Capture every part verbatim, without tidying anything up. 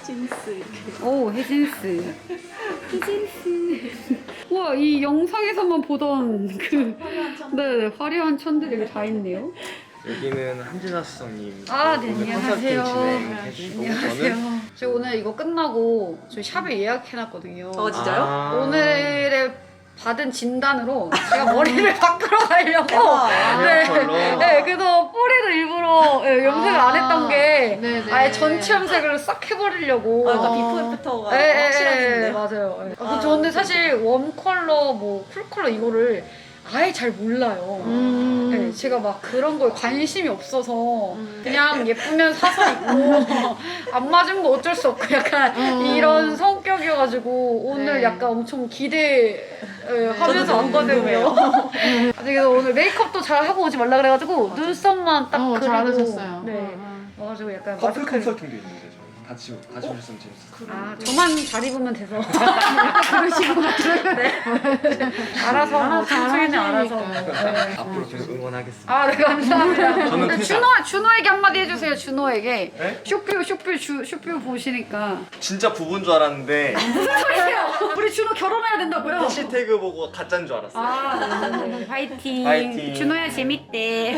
헤진스. 오, 헤진스. 헤진스. 우와, 이 영상에서만 보던 그 네, 화려한 천들이 여기 다 있네요. 여기는 한진아 수석님. 아, 네, 오늘 안녕하세요. 컨설팅 진행해주시고 안녕하세요. 저는 저 오늘 이거 끝나고 저희 샵에 예약해놨거든요. 어, 진짜요? 아. 오늘의 받은 진단으로 제가 머리를 바꾸러 가려고. 대박. 네. 컬러. 네, 그래서 뿌리도 일부러 네, 염색을 아. 안 했던 게 네네. 아예 전체 염색을 싹 해버리려고. 아, 그러니까 비포 애프터가 네, 네, 확실하신데요? 맞아요. 네. 아, 저는 사실 웜 컬러, 뭐 쿨 컬러 이거를 아예 잘 몰라요. 음. 네, 제가 막 그런 거에 관심이 없어서 음. 그냥 예쁘면 사서 입고 안 맞은 거 어쩔 수 없고 약간 음. 이런 성격이어가지고 오늘 네. 약간 엄청 기대하면서 저도 왔거든요. 그래서 오늘 메이크업도 잘 하고 오지 말라 그래가지고 눈썹만 딱 어, 그리고 잘하셨어요. 네. 어, 어. 와가지고 약간 커플 마스크 컨설팅도 있는데 저희 같이 같이 오셨으면 재밌었어요. 아 저만 잘 입으면 돼서 그러시고 네. 알아서 뭐 알아서 청소년이 알아서 하시니까. 네. 앞으로 계속 응원하겠습니다. 아, 네, 감사합니다. 저는 네, 퇴사. 준호, 준호에게 한마디 해주세요, 준호에게. 네? 쇼뷰, 쇼뷰, 슈, 쇼뷰 보시니까. 진짜 부부인 줄 알았는데 무슨 소리세요? 우리 준호 결혼해야 된다고요? 해시태그 보고 가짜인 줄 알았어요. 아, 네, 네. 화이팅. 화이팅. 준호야, 재밌대.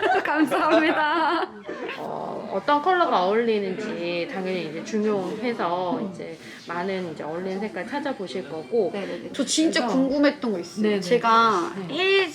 감사합니다. 어, 어떤 컬러가 어울리는지 당연히 이제 중요해서 이제 많은 이제 어울리는 색깔 찾아보실 거고. 네네네. 저 진짜 그래서- 궁금했던 거 있어요. 네네. 제가 네.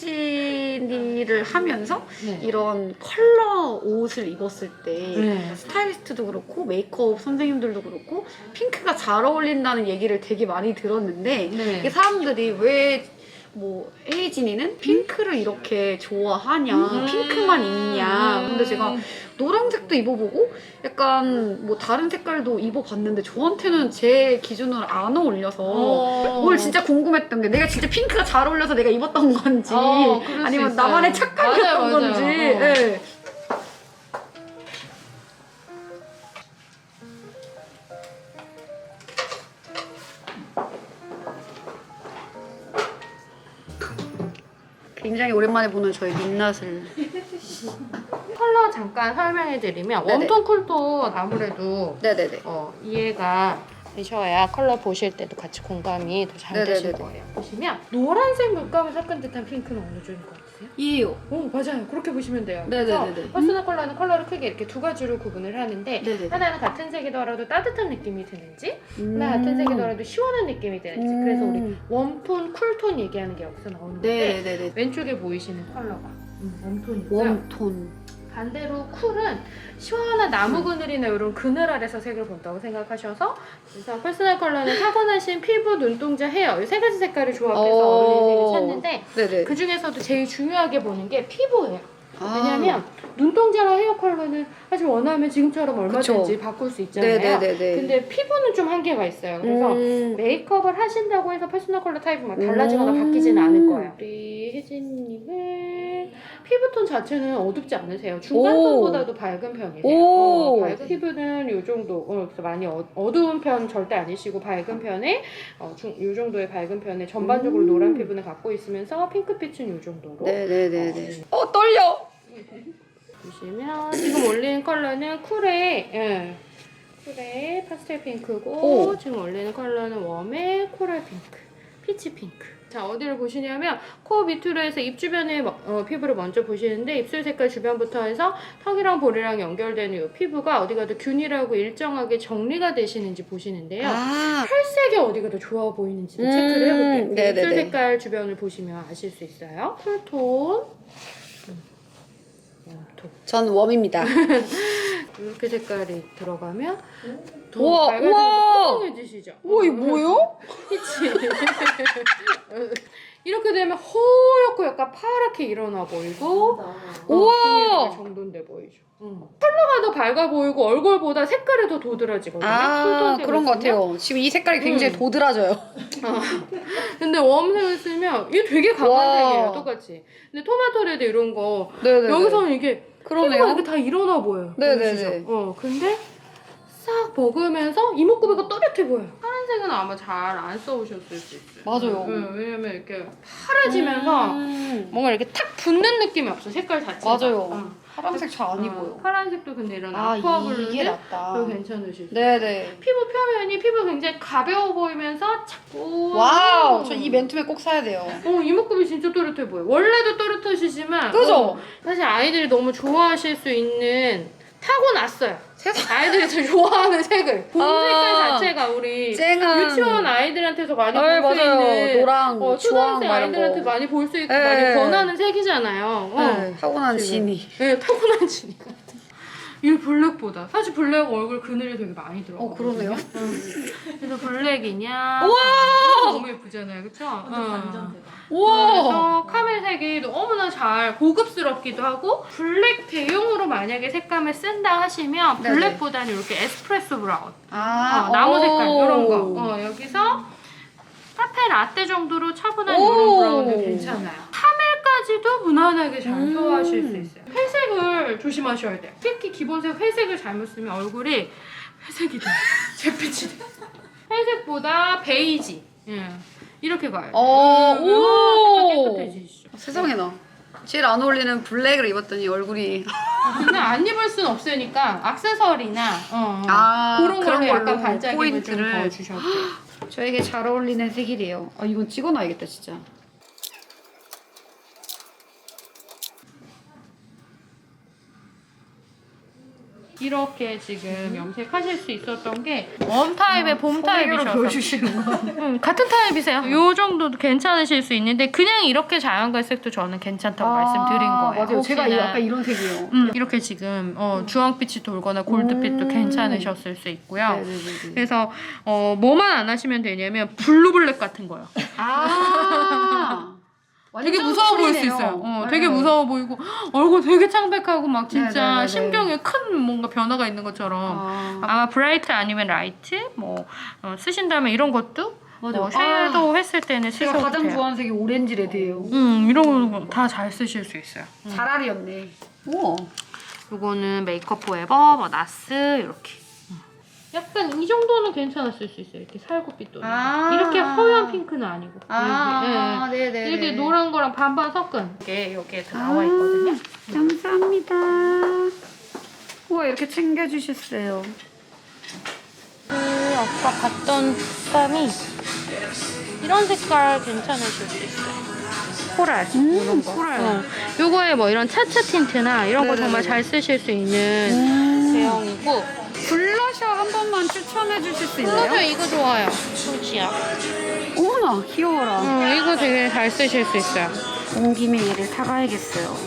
혜진이를 하면서 네. 이런 컬러 옷을 입었을 때 네. 스타일리스트도 그렇고 메이크업 선생님들도 그렇고 핑크가 잘 어울린다는 얘기를 되게 많이 들었는데 네. 이게 사람들이 왜 뭐 혜진이는 핑크를 이렇게 좋아하냐 음. 핑크만 입냐 근데 제가 노란색도 입어보고 약간 뭐 다른 색깔도 입어봤는데 저한테는 제 기준으로 안 어울려서 어. 오늘 진짜 궁금했던 게 내가 진짜 핑크가 잘 어울려서 내가 입었던 건지 어, 그럴 수 아니면 있어요. 나만의 착각이었던 맞아요, 맞아요. 건지 어. 네. 굉장히 오랜만에 보는 저희 민낯을 컬러 잠깐 설명해드리면 네네. 웜톤 쿨톤 아무래도 네네네 어, 이해가 되셔야 컬러 보실 때도 같이 공감이 더 잘 되실 네네네네. 거예요. 보시면 노란색 물감을 섞은 듯한 핑크는 어느 쪽인 것 같으세요? 이에요 오 맞아요. 그렇게 보시면 돼요. 네네네네. 그래서 퍼스널 컬러는 컬러를 크게 이렇게 두 가지로 구분을 하는데 네네네. 하나는 같은 색이더라도 따뜻한 느낌이 드는지 음. 하나 같은 색이더라도 시원한 느낌이 드는지 음. 그래서 우리 웜톤, 쿨톤 얘기하는 게 여기서 나오는데 네네네네 왼쪽에 보이시는 컬러가 음, 웜톤이고요. 웜톤 반대로 쿨은 시원한 나무 그늘이나 이런 그늘 아래서 색을 본다고 생각하셔서 그래서 퍼스널 컬러는 타고나신 피부, 눈동자, 헤어 이 세 가지 색깔을 조합해서 어. 어울리는 색을 찾는데 네네 그 중에서도 제일 중요하게 보는 게 피부예요. 아. 왜냐면 눈동자랑 헤어 컬러는 사실 원하면 지금처럼 얼마든지 그쵸. 바꿀 수 있잖아요. 네네네네 근데 피부는 좀 한계가 있어요. 그래서 음. 메이크업을 하신다고 해서 퍼스널 컬러 타입이 막 달라지거나 음. 바뀌지는 않을 거예요. 우리 혜진님은 피부톤 자체는 어둡지 않으세요. 중간톤보다도 밝은 편이세요. 오. 어, 밝은 피부는 이 정도, 어, 그래서 많이 어, 어두운 편 절대 아니시고 밝은 편에 어, 중, 이 정도의 밝은 편에 전반적으로 음. 노란 피부는 갖고 있으면서 핑크빛은 이 정도로. 네네네네 어 떨려 보시면 지금 올리는 컬러는 쿨의 예, 쿨의 파스텔 핑크고 오. 지금 올리는 컬러는 웜의 코랄 핑크, 피치 핑크. 자 어디를 보시냐면 코 밑으로 해서 입 주변에 어, 피부를 먼저 보시는데 입술 색깔 주변부터 해서 턱이랑 볼이랑 연결되는 이 피부가 어디가 더 균일하고 일정하게 정리가 되시는지 보시는데요. 아 혈색이 어디가 더 좋아 보이는지 음, 체크를 해볼게요. 네네네. 입술 색깔 주변을 보시면 아실 수 있어요. 쿨톤, 음, 웜톤. 전 웜입니다 이렇게 색깔이 들어가면 더 우와, 밝아지고 우와. 뽀송해지시죠? 우와 이거 뭐예요? 그치? 이렇게 되면 허옇고 약간 파랗게 일어나 보이고 우와. 어, 정돈돼 보이죠. 응. 컬러가 더 밝아 보이고 얼굴보다 색깔이 더 도드라지거든요. 아 쿨톤색을 그런 것 쓰면. 같아요 지금 이 색깔이 굉장히 음. 도드라져요 어. 근데 웜색을 쓰면 이게 되게 강한 와. 색이에요. 똑같이. 근데 토마토레드 이런 거 네네네 여기서는 이게 피부가 그러네요 이렇게 다 일어나 보여요. 네네네. 보이시죠? 어, 근데 싹 먹으면서 이목구비가 또렷해 보여요. 파란색은 아마 잘 안 써보셨을 수 있어요. 맞아요. 네, 왜냐면 이렇게 파래지면서 음. 뭔가 이렇게 탁 붙는 느낌이 없어. 색깔 자체가. 맞아요. 어. 파란색 잘 안 어, 입어요. 파란색도 근데 이런 아, 아쿠아 이게 블루는 낫다. 또 괜찮으실 수 있어요. 네네. 피부 표면이 피부 굉장히 가벼워 보이면서 자꾸 와우, 저 이 맨투맨 꼭 사야 돼요. 어, 이목구비 진짜 또렷해 보여. 원래도 또렷하시지만 그죠? 어, 사실 아이들이 너무 좋아하실 수 있는 타고났어요. 아이들이 더 좋아하는 색을 봄 아, 색깔 자체가 우리 쨍한. 유치원 아이들한테서 많이 네, 볼 수 맞아요. 있는 노랑, 어, 주황 초등학생 막 이런 아이들한테 거. 많이 볼 수 있고 네. 많이 권하는 색이잖아요. 어. 네, 타고난 지금. 진이. 네, 타고난 지니까. 이 블랙보다 사실 블랙 얼굴 그늘이 되게 많이 들어가. 어, 그러네요. 그래서 블랙이냐? 우와! 너무 예쁘잖아요, 그렇죠? 완전 우와! 그래서 카멜색이 너무나 잘 고급스럽기도 하고 블랙 대용으로 만약에 색감을 쓴다 하시면 네네. 블랙보다는 이렇게 에스프레소 브라운, 아, 어, 나무 색깔 오. 이런 거. 어, 여기서 카페 라떼 정도로 차분한 오. 이런 브라운도 괜찮아요. 카멜까지도 무난하게 잘 음. 소화하실 수 있어요. 회색을 조심하셔야 돼요. 특히 기본색 회색을 잘못 쓰면 얼굴이 회색이 돼. 잿빛이 돼. 회색보다 베이지. 예. 이렇게 가요. 어, 음, 오! 색깔 깨끗해지시죠. 세상에 나. 제일 안 어울리는 블랙을 입었더니 얼굴이. 그냥 안 입을 순 없으니까 액세서리나 어, 아, 그런 그런 걸로 약간 걸로 반짝임을 좀 포인트를. 더 주셔도 돼요. 저에게 잘 어울리는 색이래요. 아, 이건 찍어놔야겠다, 진짜. 이렇게 지금 염색하실 수 있었던 게 웜 타입의 봄 타입이셔서 보여주시는 거. 음, 같은 타입이세요. 요 정도도 괜찮으실 수 있는데 그냥 이렇게 자연갈색도 저는 괜찮다고 말씀드린 거예요. 아, 맞아요. 제가 혹시나. 약간 이런 색이에요. 음, 이렇게 지금 어, 주황빛이 돌거나 골드빛도 음. 괜찮으셨을 수 있고요. 네네네. 그래서 어, 뭐만 안 하시면 되냐면 블루블랙 같은 거요. 아. 되게 무서워 보일 수 있어요. 어, 되게 무서워 보이고 얼굴 되게 창백하고 막 진짜 네네네네. 심경에 큰 뭔가 변화가 있는 것처럼 아. 아마 브라이트 아니면 라이트 뭐 어, 쓰신다면 이런 것도 맞아요. 어, 섀도우 했을 때는 제가 쓰셔도 가장 돼요. 좋아하는 색이 오렌지 레드예요. 음 이런 거 다 잘 쓰실 수 있어요. 자랄이었네. 우와. 요거는 메이크업 포에버, 뭐 나스 이렇게. 약간 이 정도는 괜찮았을 수 있어요. 이렇게 살구빛 도는. 아. 이렇게 허연 핑크는 아니고. 아, 이렇게, 예. 네네. 이렇게 노란 거랑 반반 섞은 게 여기에 다 나와 있거든요. 감사합니다. 우와, 이렇게 챙겨주셨어요. 그 아까 봤던 색감이 이런 색깔 괜찮으실 수 있어요. 코랄 음, 이런 거. 코랄. 어. 요거에 뭐 이런 차차 틴트나 이런 거 네네네네. 정말 잘 쓰실 수 있는 음. 제형이고. 블러셔 한 번만 추천해 주실 수 블러셔 있나요? 이거 좋아요. 솔지야. 어머나, 귀여워라. 어, 이거 되게 잘 쓰실 수 있어요. 온 김에 얘를 사가야겠어요.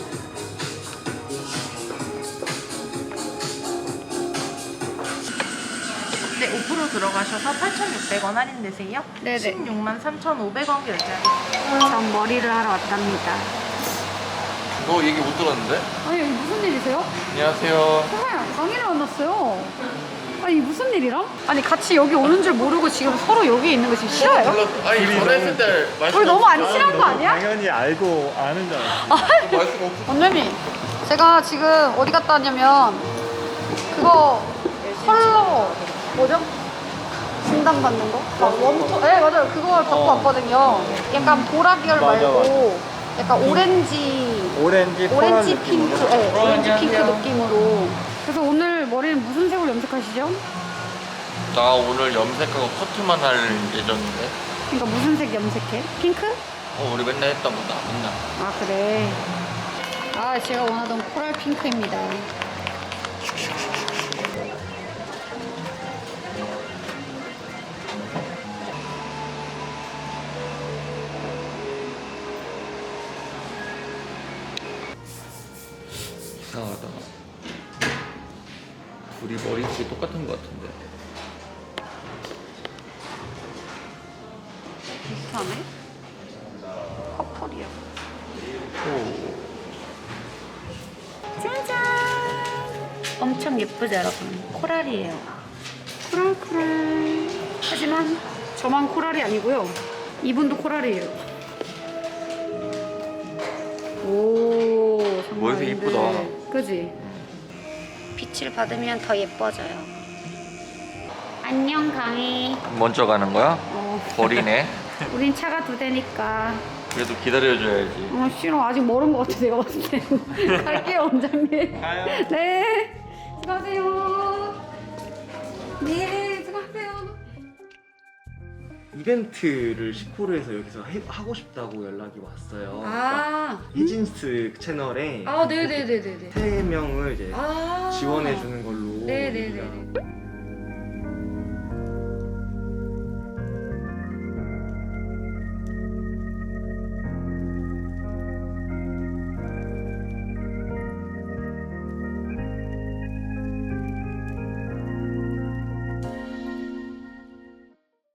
네, 오 퍼센트 들어가셔서 팔천육백 원 할인되세요. 네네. 십육만 삼천오백 원 결제하세요. 전 머리를 하러 왔답니다. 너 얘기 못 들었는데? 아니, 여기 무슨 일이세요? 안녕하세요. 정말 강의를 만났어요. 아니, 무슨 일이랑? 아니, 같이 여기 오는 줄 모르고 지금 서로 여기 있는 거 지금 싫어요? 아니 전화했을 때 말씀 우리 너무 안 친한 거 아니야? 당연히 알고 아는 줄 알았어. 말씀 없어. 원장님, 제가 지금 어디 갔다 왔냐면 그거 컬러 뭐죠? 진단받는 거? 아, 웜토? 네 맞아요. 그걸 받고 어. 왔거든요. 약간 보라 계열 맞아, 말고 약간 오렌지 오렌지, 오렌지 코랄 핑크, 느낌으로. 네, 오렌지 핑크 느낌으로. 그래서 오늘 머리는 무슨 색으로 염색하시죠? 나 오늘 염색하고 커트만 할 예정인데. 그러니까 무슨 색 염색해? 핑크? 어 우리 맨날 했던 거다 맨날. 아 그래. 아 제가 원하던 코랄 핑크입니다. 이상하다. 우리 머리색이 똑같은 것 같은데. 비슷하네. 커플이야. 오. 짜잔! 엄청 예쁘죠, 여러분? 코랄이에요. 코랄, 코랄. 하지만 저만 코랄이 아니고요. 이분도 코랄이에요. 오, 정말 머리색 근데- 이쁘다. 그지? 빛을 받으면 더 예뻐져요. 안녕 강희. 먼저 가는 거야? 어, 버리네. 우린 차가 두 대니까. 그래도 기다려줘야지. 어 싫어 아직 멀은 것 같아 내가 봤을 때. 갈게요 원장님. 가요. 네. 수고하세요. 네 수고하세요. 이벤트를 시코르에서 여기서 해, 하고 싶다고 연락이 왔어요. 아. 히진스 채널에 아 네네네네네. 세 명을 이제 아. 지원해 주는 걸로 네네네. 얘기가